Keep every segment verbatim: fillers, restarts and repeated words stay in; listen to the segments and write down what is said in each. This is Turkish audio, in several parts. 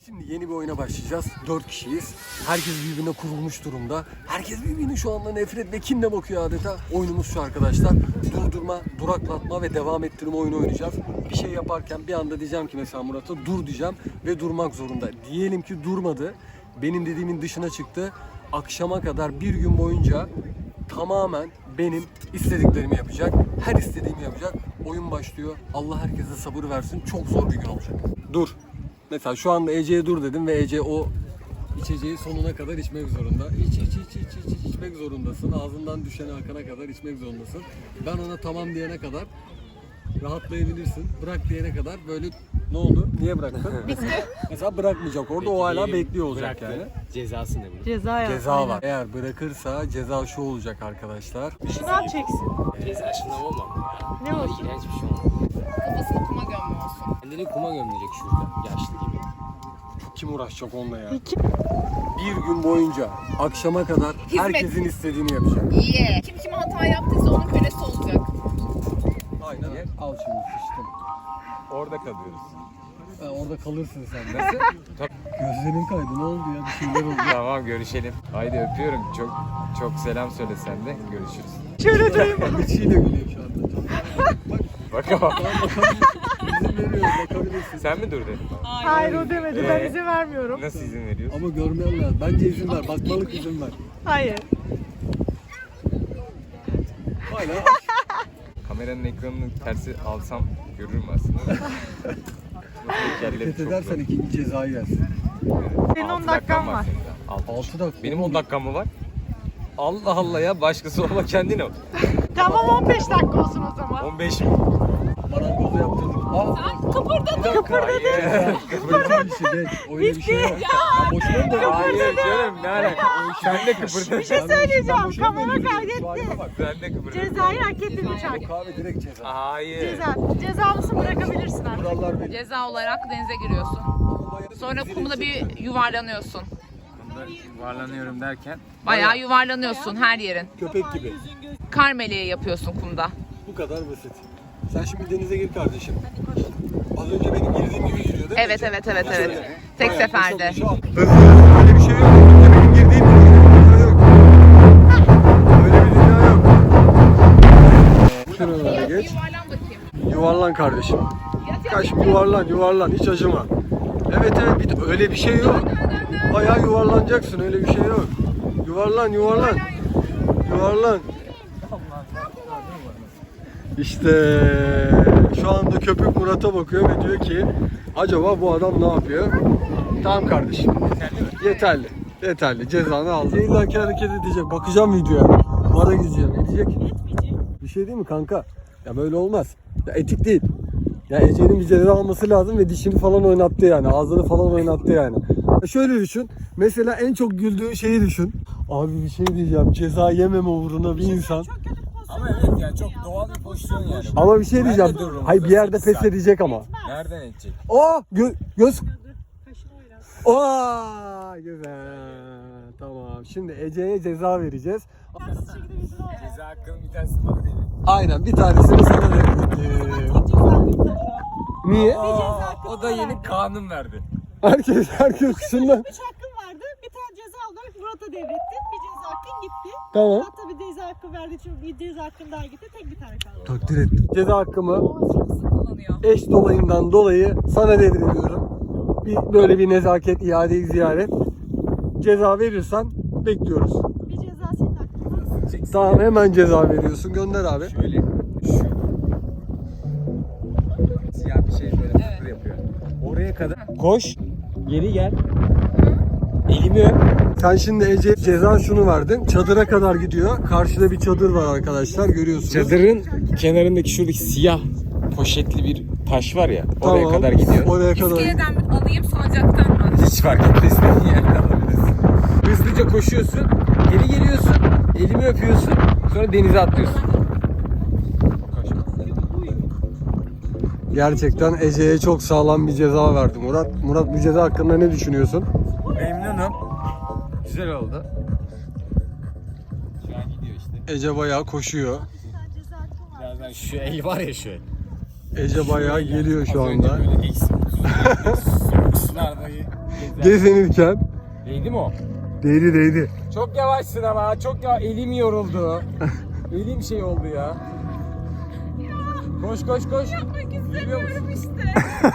Şimdi yeni bir oyuna başlayacağız. Dört kişiyiz. Herkes birbirine kurulmuş durumda. Herkes birbirine şu anda nefret ve kinle bakıyor adeta. Oyunumuz şu arkadaşlar. Durdurma, duraklatma ve devam ettirme oyunu oynayacağız. Bir şey yaparken bir anda diyeceğim ki mesela Murat'a dur diyeceğim ve durmak zorunda. Diyelim ki durmadı. Benim dediğimin dışına çıktı. Akşama kadar bir gün boyunca tamamen benim istediklerimi yapacak. Her istediğimi yapacak. Oyun başlıyor. Allah herkese sabır versin. Çok zor bir gün olacak. Dur. Mesela şu anda Ece'ye dur dedim ve Ece o içeceği sonuna kadar içmek zorunda. İç iç iç iç iç iç içmek zorundasın. Ağzından düşene akana kadar içmek zorundasın. Ben ona tamam diyene kadar rahatlayabilirsin. Bırak diyene kadar böyle ne oldu? Niye bıraktın? Mesela bırakmayacak orada. O hala bekliyor olacak yani. Cezası ne bu? Ceza yap. Ceza var. Eğer bırakırsa ceza şu olacak arkadaşlar. Şınav çeksin. Ceza şınav olmam ya. Ne olsun? İğrenç bir şey olmaz. Kafasını kuma gömme olsun. Kendini kuma gömülecek şurada. Yaşlı gibi. Kim uğraşacak onunla ya? Bir gün boyunca akşama kadar Hizmet. herkesin istediğini yapacak. İyi. Kim kime hata yaptıysa onun kölesi olacak. Aynen. Al şimdi sıçtım. Orada kalıyoruz. Ha, orada kalırsın sen de. Gözlerin kaydı. Ne oldu ya? Bir şeyler oldu. Tamam görüşelim. Haydi öpüyorum. Çok çok selam söyle sen de. Görüşürüz. Şöyle duyma. İçiyle gülüyor şu anda. Bakamam. Tamam bakabilirsin. İzin veriyoruz bakabilirsin. Sen mi dur dedin? Hayır o demedi. Ben Ee? izin vermiyorum. Nasıl izin veriyorsun? Ama görmeyen lazım. Bence izin ver. Bakmalık izin ver. Hayır. Hala Kameranın ekranını tersi alsam görürüm aslında. hareket edersen ikinci cezayı yersin. Senin on dakikan var. altı dakika. Benim on dakikam mı var? Allah Allah ya, başkası olma kendine ol. Tamam on beş dakika olsun o zaman. on beş mi? Marangozu yaptırdık. Aa, Kıpırdadın. Hayır. kıpırdama işi geç. Öyle bir şey yok. Ya boşuna mı Hayır canım, ne alaka? Sen de kıpırdın. Bir şey söyleyeceğim. Kamera kaydetti. Sen de kıpırdın. Cezayı hak ettin uçak. Kahve direkt ceza. Hayır. Ceza. Cezalısın bırakabilirsin artık. Kurallar belli. Ceza olarak denize giriyorsun. Sonra kumda bir yuvarlanıyorsun. Bunda yuvarlanıyorum derken. Bayağı yuvarlanıyorsun her yerin. Köpek gibi. Kar meleği yapıyorsun kumda. Bu kadar basit. Sen şimdi denize gir kardeşim. Az önce benim girdiğim gibi giriyor değil mi? Evet evet evet evet. Şöyle. Tek Bayağı seferde. koşalım, şu an. Öyle bir şey yok. Benim girdiğim gibi giriyor. Öyle bir dünya yok. Şuralara geç. Yuvarlan bakayım. Yuvarlan kardeşim. Kaç yuvarlan yuvarlan hiç acıma. Evet evet bir, öyle bir şey yok. Bayağı yuvarlanacaksın öyle bir şey yok. Yuvarlan yuvarlan. Yuvarlan. İşte şu anda köpük Murat'a bakıyor ve diyor ki acaba bu adam ne yapıyor? Tamam kardeşim. Yeterli. Yeterli. Cezanı aldı. İllaki hareket edecek. Bakacağım videoya. Mara gideceğim. Edecek. Bir şey değil mi kanka? Ya böyle olmaz. Ya etik değil. Ya Ece'nin bir ceza alması lazım ve dişini falan oynattı yani. Ağzını falan oynattı yani. Ya şöyle düşün. Mesela en çok güldüğün şeyi düşün. Abi bir şey diyeceğim. Ceza yememe uğruna bir insan. Ama evet yani çok doğal bir pozisyon yani. Ama bir şey diyeceğim. Hayır bir yerde pes edecek ama. Nereden edecek? Aa gö göz. Aa güzel. Tamam. Şimdi Ece'ye ceza vereceğiz. Ceza hakkının bir tanesi bana değil. Aynen bir tanesini sana verelim. Niye? O da yeni kanun verdi. Herkes herkes şundan. Üç hakkın vardı. Bir tane ceza olarak Murat'a devrettin. Bir ceza hakkın gitti. Tamam. Murat tabii ceza hakkı verdi için bir ceza hakkın daha gitti. Tek bir tane kaldı. Takdir ettim. Ceza hakkımı Kullanıyor. eş dolayımdan dolayı sana devrediyorum. Bir, böyle bir nezaket, iade-i ziyaret. Ceza verirsen bekliyoruz. Bir ceza senin hakkın. Tamam hemen ceza veriyorsun. Gönder abi. Şöyle şu siyah bir şey böyle fıkır yapıyor. Oraya kadar koş, geri gel. Elimi öp. Sen şimdi Ece ceza şunu verdin. Çadıra kadar gidiyor. Karşıda bir çadır var arkadaşlar. Görüyorsunuz. Çadırın kenarındaki şuradaki siyah poşetli bir taş var ya, oraya Tamam, kadar gidiyor. Oraya kadar. İskeleden mi alayım salıncaktan mı? Hiç fark etmez, istediğin yerden alabilirsin. Hızlıca koşuyorsun, geri geliyorsun, elimi öpüyorsun, sonra denize atlıyorsun. Gerçekten Ece'ye çok sağlam bir ceza verdi Murat. Murat bu ceza hakkında ne düşünüyorsun? Memnunum. Güzel oldu. Şu an gidiyor işte. Ece bayağı koşuyor. Birazdan şu el var ya şu el. Ece bayağı geliyor şu anda. Böyle eksi soğuk sularda Gezinirken. Değdi mi o? Değdi değdi. Çok yavaşsın ama çok ya elim yoruldu. Elim şey oldu ya. Koş koş koş. Yapmak istemiyorum işte.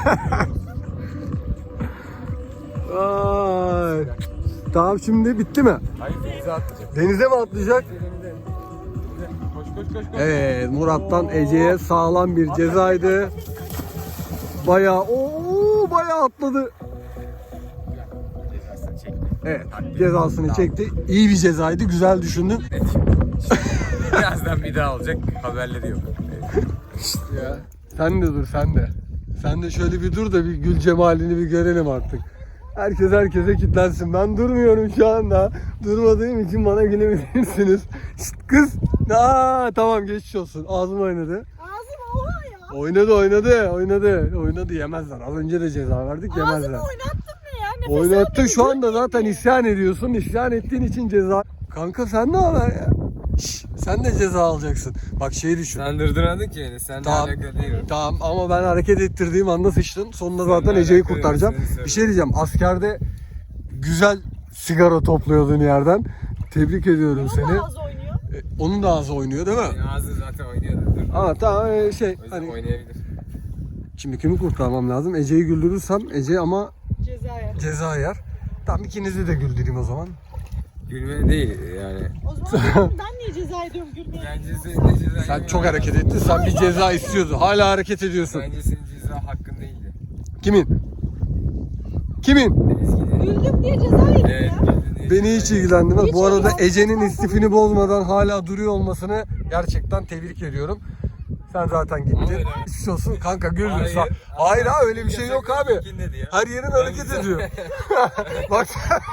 Ay. Tamam şimdi bitti mi? Hayır denize atlayacak. Denize mi atlayacak? Denize. Koş koş koş koş. Evet, Murat'tan Ece'ye sağlam bir cezaydı. Bayağı ooo bayağı atladı. Cezasını çekti. Evet, cezasını çekti. İyi bir cezaydı, güzel düşündün. Birazdan bir daha olacak. Haberleri yok. Ya. Sen de dur, sen de. Sen de şöyle bir dur da bir gül cemalini bir görelim artık. Herkes herkese kilitlensin. Ben durmuyorum şu anda. Durmadığım için bana gülebilirsiniz. Şşt kız. Aa, tamam geçmiş olsun. Ağzım oynadı. Ağzım oha ya. Oynadı oynadı oynadı. Oynadı yemezler. Az önce de ceza verdik yemezler. Ağzımı oynattın ne ya? Nefes Oynattın almıyorum, şu anda gülmeyeyim zaten mi? isyan ediyorsun. İsyan ettiğin için ceza. Kanka sen ne haber ya? Şşş, sen de ceza alacaksın. Bak şeyi düşün. Sen durduramadın ki beni. Seninle Tamam. alakalı değil o. Tamam ama ben hareket ettirdiğim anda sıçtın. Sonunda zaten Seninle Ece'yi alakalı kurtaracağım. yok, seni Bir şey diyeceğim. Askerde güzel sigara topluyordun yerden. Tebrik ediyorum Onun seni. da ağzı oynuyor. E, Onun da ağzı oynuyor değil mi? Senin ağzın zaten oynuyordu. Dur. Ama tamam e, şey O yüzden hani oynayabilir. şimdi kimi kurtarmam lazım? Ece'yi güldürürsem Ece ama Cezaya. ceza yer. Tamam ikinizi de güldüreyim o zaman. Gülme değil yani. O zaman ben, ben niye ceza ediyorum gülmeye? Bence senin de ceza Sen çok hareket ettin. Sen bir ceza istiyordun. Hala hareket ediyorsun. Bence senin ceza hakkın değildi. Kimin? Kimin? Güldüm diye ceza yedim Evet. ya. Beni hiç ilgilendirmez. Hiç Bu arada ilgilendirmez. Ece'nin istifini bozmadan hala duruyor olmasını gerçekten tebrik ediyorum. Sen zaten gittin. Hayır. Hiç olsun kanka güldün. Hayır. Hayır, hayır ha öyle bir şey yok abi. Kim dedi ya? Her yerin hareket ediyor. Bak.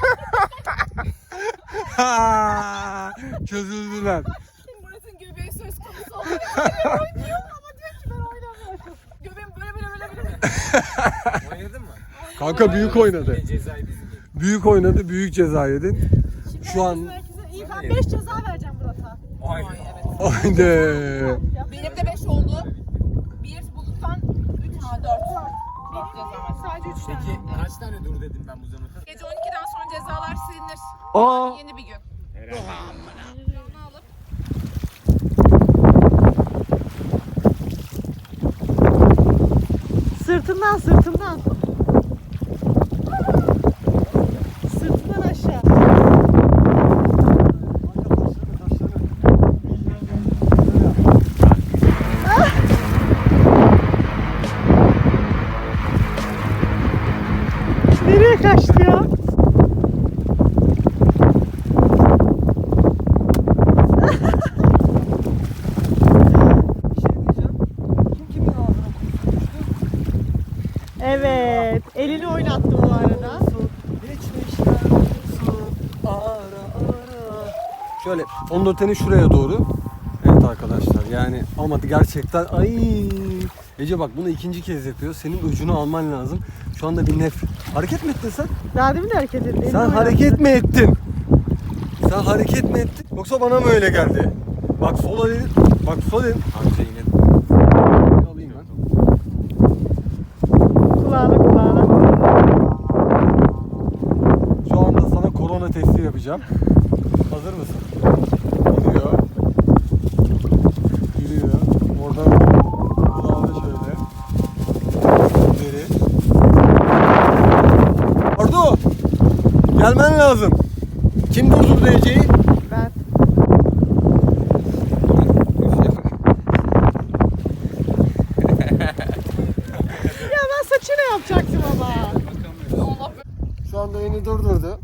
Çözüldüler. Murat'ın göbeği söz konusu oluyor. Oynuyor ama diyor ki ben oynamıyorum. Göbeğim böyle böyle böyle böyle. Oynadın mı? Kanka büyük oynadı. Yine cezayı bizim gibi. Büyük oynadı, büyük ceza yedin. Şimdi Şu an- herkese- İyi ben beş ceza vereceğim Murat'a. Aynen. Haydi. Benim de beş oldu. Bir bulduktan üç ha dört. Dört ceza var. Sadece üç tane. Peki kaç tane dur dedim ben bu zamana? Gece on ikiden sonra cezalar silinir. Aa. Yeni bir gün. Herhalde. Onu alıp Sırtından sırtından. Sırtından aşağı. Nereye kaçtı ya? Evet, elini oynattı bu arada. Şöyle fondöteni şuraya doğru. Evet arkadaşlar yani ama gerçekten ay Ece bak bunu ikinci kez yapıyor. Senin ucunu alman lazım. Şu anda bir nef. Hareket mi ettin sen? Daha demin de hareket etti. elini Sen oynattı. hareket mi ettin? Sen hareket mi ettin? Yoksa bana mı öyle geldi? Bak sola dedin. Bak sol dedin. Amca yine. Alayım ben. Kulağına kulağına. Şu anda sana korona testi yapacağım. Hazır mısın? Gidiyor. Yürüyor. Oradan kulağına şöyle. Geri. Ardu! Gelmen lazım. Kim durdurdu Ece'yi? Ben. Ya ben saçını yapacaktım ama. Allah Şu anda beni durdurdu.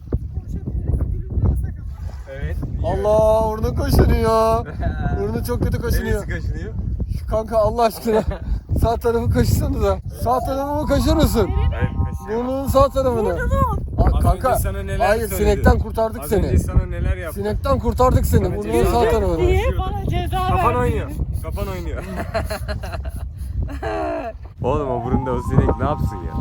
Evet. Allah orada kaşınıyor. Orada çok kötü kaşınıyor. Neresi kaşınıyor? Şu kanka Allah aşkına sağ tarafı kaşısanıza. Sağ tarafımı kaşır mısın? Hayır kaşınıyor. Burnunun sağ tarafını. Aa, Az kanka önce sana neler hayır söyledi? sinekten kurtardık Az seni. önce sana neler yaptı? Sinekten kurtardık seni. Sana Burnunun ceza sağ verdim tarafını. Diye bana ceza Kafan verdi. oynuyor. Kafan oynuyor. Oğlum o burunda o sinek ne yapsın ya?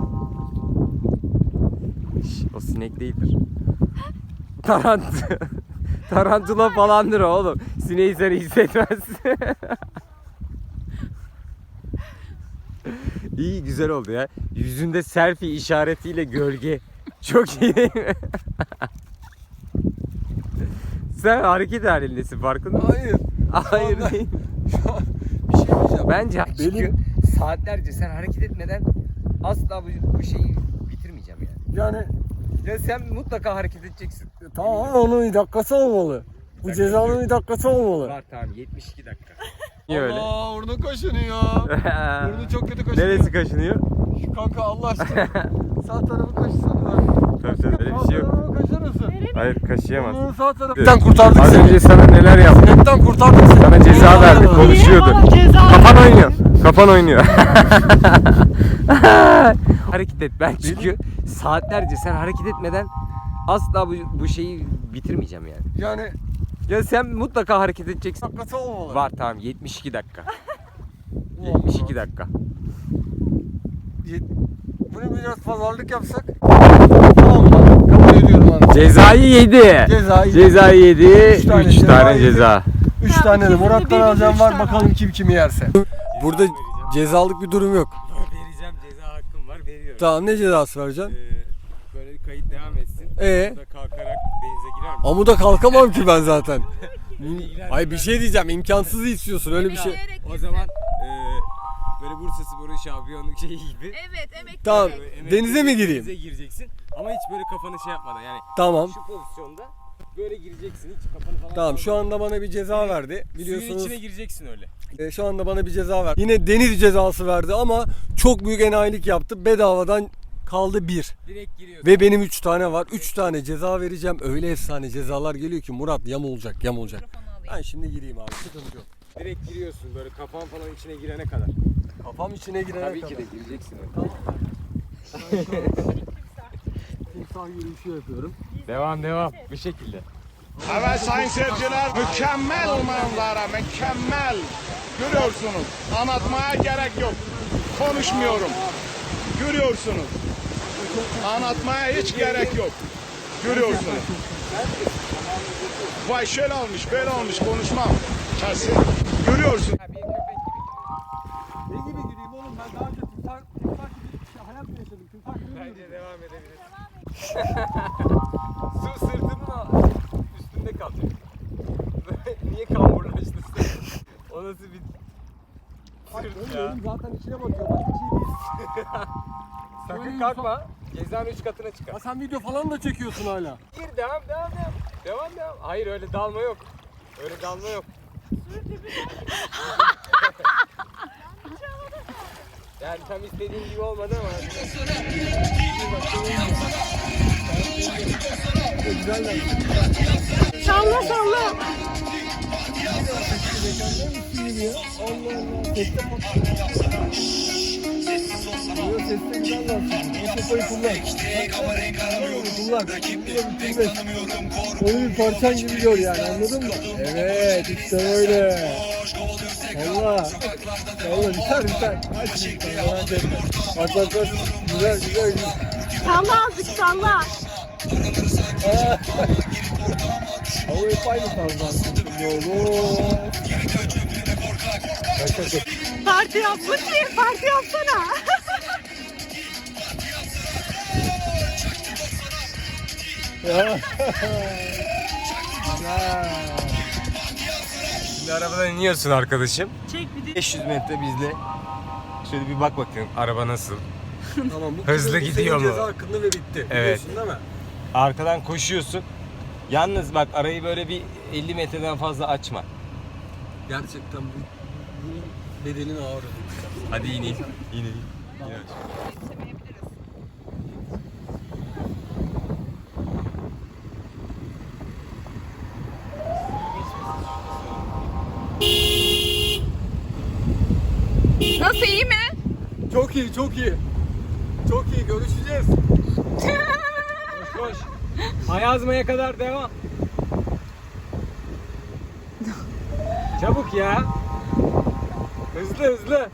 Şş, o sinek değildir. Tarant Tarantula falandır oğlum. Sineği sen hissetmezsin. İyi, güzel oldu ya. Yüzünde selfie işaretiyle gölge. Çok iyi değil mi? Sen hareket halindesin, farkında mısın? Hayır. Hayır anda- değil. Şu an bir şey diyeceğim. Bence Benim- çünkü saatlerce sen hareket etmeden asla bu, bu şeyi bitirmeyeceğim yani. Yani Ya sen mutlaka hareket edeceksin. tamam ama onun bir dakikası olmalı. Bu cezanın bir dakikası olmalı. Var tamam, yetmiş iki dakika. Niye öyle? Allah burnu kaşınıyor. Burnu çok kötü kaşınıyor. Neresi kaşınıyor? Şu kanka Allah aşkına. Sağ tarafı kaşısana. Tabii tabii, öyle bir şey yok. Sağ tarafı kaşırırsın. Hayır, kaşıyamaz. Burnunun sağ tarafı. Sinekten kurtardık Az seni. önce sana neler yaptık? Sinekten kurtardık seni. Sana ceza verdik, Niye konuşuyordu. bana ceza Kafan verdin? oynuyor. Kafan oynuyor. Hareket et ben çünkü saatlerce sen hareket etmeden asla bu, bu şeyi bitirmeyeceğim yani. Yani Ya sen mutlaka hareket edeceksin. dakikası olmalı. Var tamam, yetmiş iki dakika. yetmiş iki dakika. Yet- Bunu biraz pazarlık yapsak. Tamam mı? Kabul ediyorum abi. Cezayı yedi. Cezayı Cezayı yedi. Üç tane üç ceza tane yedi. ceza. Üç Tamam, tane de ikisini Murat'tan birlikte alacağım üç var, tane. bakalım kim kimi yerse. Burada cezalık bir durum yok. Vereceğim, ceza hakkım var, veriyorum. Tamam, ne cezası vereceksin? Ee, böyle kayıt devam etsin. Ee? Burada kalkarak denize girer mi? Amuda kalkamam ki ben zaten. Ay bir şey diyeceğim, imkansızı istiyorsun öyle bir şey. O zaman e, böyle Bursa Spor'un şampiyonluk şeyi gibi. Evet, emekli. Tamam, Böyle emek- denize mi gireyim? Denize gireceksin ama hiç böyle kafanı şey yapmadan yani Tamam. şu pozisyonda böyle gireceksin, hiç kafanı falan. Tamam, şu anda bana bir ceza verdi. Suyun Biliyorsunuz içine gireceksin öyle. e, şu anda bana bir ceza verdi. Yine deniz cezası verdi ama çok büyük enayilik yaptı. Bedavadan kaldı bir. Direkt giriyorsun. Ve benim üç tane var. Üç tane ceza vereceğim. Öyle efsane cezalar geliyor ki Murat yam olacak, yam olacak. Ben şimdi gireyim abi, sıkıntı yok. Direkt giriyorsun böyle kafan falan içine girene kadar. Kafam içine girene Tabii kadar. ki de gireceksin öyle. Tamam. Timsah yürüyüşü yapıyorum. Devam devam bu şekilde. Evet sayın seyirciler, mükemmel manzara, mükemmel. Görüyorsunuz, anlatmaya gerek yok. Konuşmuyorum. Görüyorsunuz. Anlatmaya hiç gerek yok. Görüyorsunuz. Vay şöyle olmuş, böyle olmuş, konuşmam. Kesin. Görüyorsun. Ne gibi gireyim oğlum, ben daha önce timsah, timsah gibi bir şey, hayat mı yaşadım? Timsah gibi mi Bence yürüyeyim? devam edebiliriz. Su sırtımın üstünde kalacak. Niye kamburlaştın sen? O nasıl bir Bak, sırt öyle ya? oğlum, zaten içine bakıyor. Başka bir şey değil. Sakın kalkma. Cezanın üç katına çıkar. Ha, sen video falan da çekiyorsun hala. Gir devam devam devam. Devam devam. Hayır öyle dalma yok. Öyle dalma yok. Yani tam istediğin gibi olmadı ama. Salla salla. Onu bir parçan gibi gör yani, anladın mı? Evet, işte böyle. Allah. Allah, biter biter. Hadi şimdi, merak etme. Bak bak bak. Güzel güzel güzel. Salla azıcık salla. Ama hep aynı tarzdan. Yolu. Parti yapmış ki, parti yapsana. Şimdi arabadan iniyorsun arkadaşım. Çek bir de. beş yüz metre bizle. Şöyle bir bak bakayım araba nasıl. Tamam, bu Hızlı senin gidiyor mu? ceza hakkında ve bitti. Evet. Biliyorsun değil mi? Arkadan koşuyorsun. Yalnız bak arayı böyle bir elli metreden fazla açma. Gerçekten bu, bunun bedelini ağır ödedik. Hadi ineyim. İneyim. Nasıl, iyi mi? Çok iyi, çok iyi. Çok iyi, görüşeceğiz. Koş koş. Ayazmaya kadar devam. Çabuk ya. Hızlı hızlı.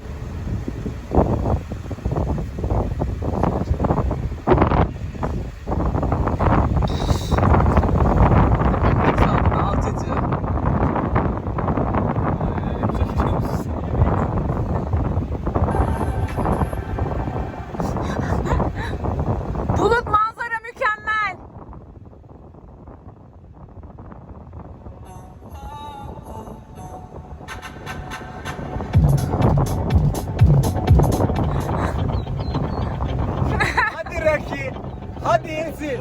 Asil.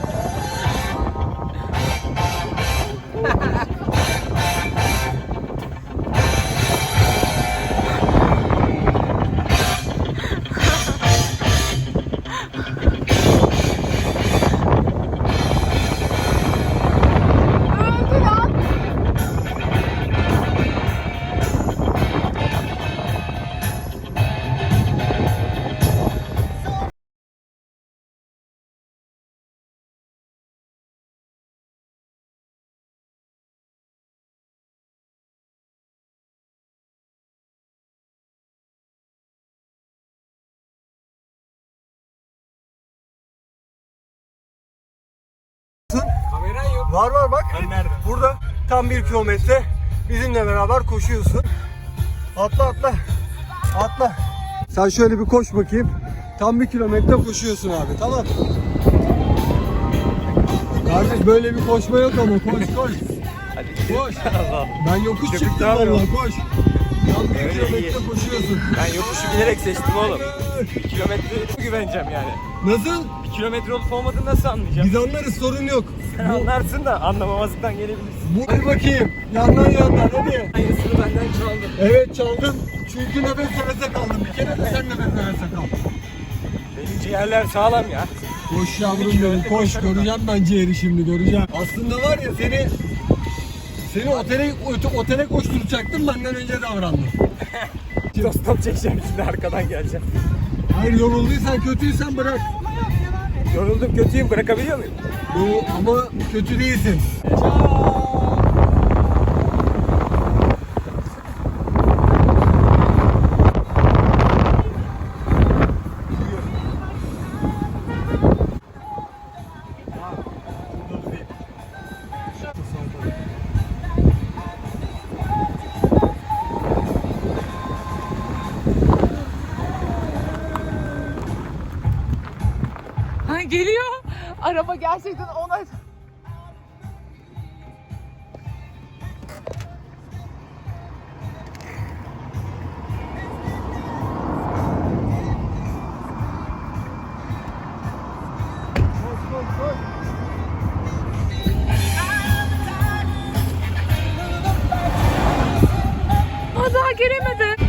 Kameran yok. Var var bak. Ben nerede? Burada tam bir kilometre bizimle beraber koşuyorsun. Atla atla. Atla. Sen şöyle bir koş bakayım. Tam bir kilometre koşuyorsun abi, tamam. Kardeş böyle bir koşma yok ama koş koş. Hadi Koş. Ben yokuş çıktım Köpükler yok. vallahi, koş. Tam bir Öyle kilometre iyi. koşuyorsun. Ben yokuşu bilerek seçtim oğlum. Bir kilometre güveneceğim yani. Nasıl? Bir kilometre olup olmadığını nasıl anlayacağım? Biz anlarız, sorun yok. Sen anlarsın da anlamamazlıktan gelebilirsin. Bu, hadi bakayım. Yandan yandan hadi. Aynısını benden çaldın. Evet çaldım. Çünkü nefes nefese kaldım. Bir kere de sen nefes nefese kal. Benim ciğerler sağlam ya. Koş yavrum benim, koş. Göreceğim ben ciğeri şimdi, göreceğim. Aslında var ya seni seni otele ote- otele koşturacaktım, benden önce davrandım. Stop stop çekeceğim şimdi arkadan geleceğim. Hayır, yorulduysan, kötüysen bırak. Yoruldum kötüyüm, bırakabiliyor muyum? Yo, ama kötü değilsin. Ha, geliyor. Araba gerçekten ona... Aa, daha gelemedi.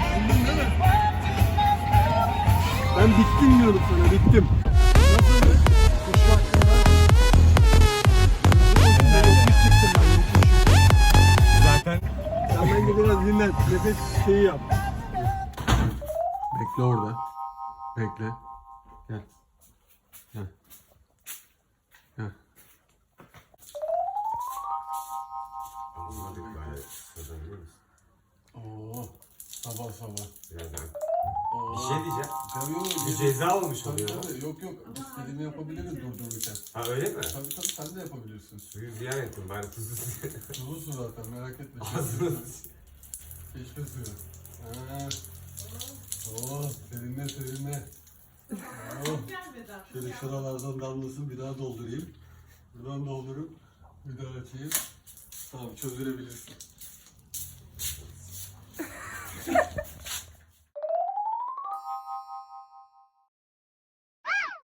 Ben bittim diyorum sana, bittim. Nasıl? Koşu hakkında. Ben yokuş çıktım, ben yokuş. Zaten Sen bence biraz dinlen, nefes şeyi yap. Bekle orada. Bekle. Gel. Gel. Gel. Oo, sabah sabah. Oo. Bir şey diyeceğim. Tabii yok. Bir ceza olmuş Tabii oluyor. tabii. Yok yok. İstediğimi yapabiliriz durdururken. Ha öyle mi? Tabii tabii, sen de yapabilirsin. Suyu ziyan ettim bari tuzlu suyu. Sulu su zaten, merak etme. Ağzına Çeşme suyu. Ha. Oh, serinle serinle. Oh. Şöyle şuralardan damlasın, bir daha doldurayım. Buradan doldurup bir daha açayım. Tamam, çözdürebilirsin.